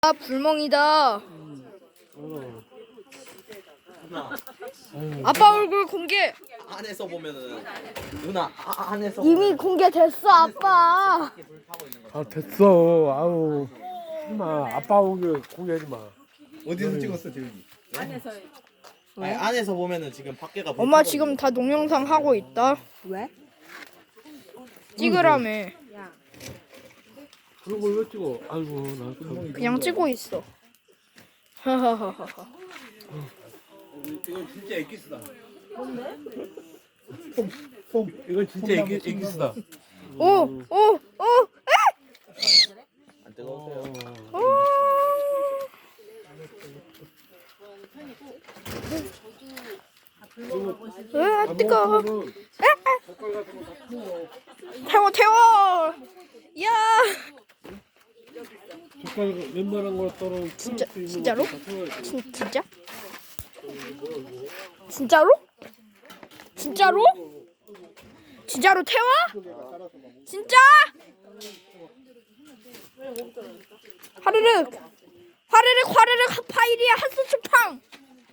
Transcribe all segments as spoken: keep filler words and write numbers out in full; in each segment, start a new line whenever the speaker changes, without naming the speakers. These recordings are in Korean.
아, 불멍이다.
어.
아빠 얼굴 공개.
안에서 보면은 누나 아, 안에서
이미 공개됐어, 아빠.
아 됐어. 아우. 하지마. 아빠 오게 공개하지 마.
어디서 찍었어 재훈이?
아니, 안에서 보면은 지금 밖에가
엄마 지금 다 동영상 하고 있다.
왜?
찍으라며.
그런 걸 왜 찍어? 아이고 나 참.
그냥 찍고 있어. 하하하하.
이건 진짜 엑기스다.
이건 진짜 애기 애기스다.
오, 오, 오,
안 뜨거우세요?
오. 왜 안 뜨거? 태워, 태워. 야,
젓갈 웬만한 거 따로
진짜, 진짜로? 진, 진짜? 진짜로? 진짜로? 진짜로 태워? 진짜? 화르륵 화르륵 화르륵 파이리야 한수추팡.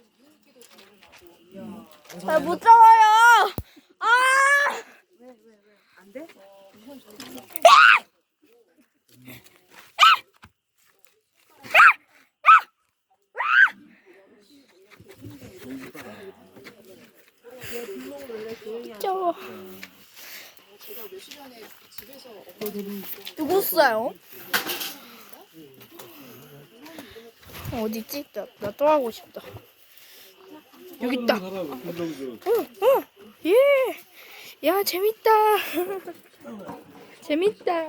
아, 못 잡아요. 아!
안 돼?
저 누구어요? 어디지? 나 나 또 하고 싶다. 여기 있다. 어, 어, 예. 야, 재밌다. 재밌다.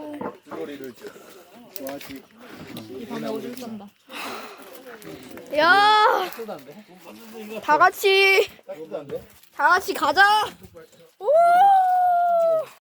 야, 다 같이, 다 같이 가자. 오.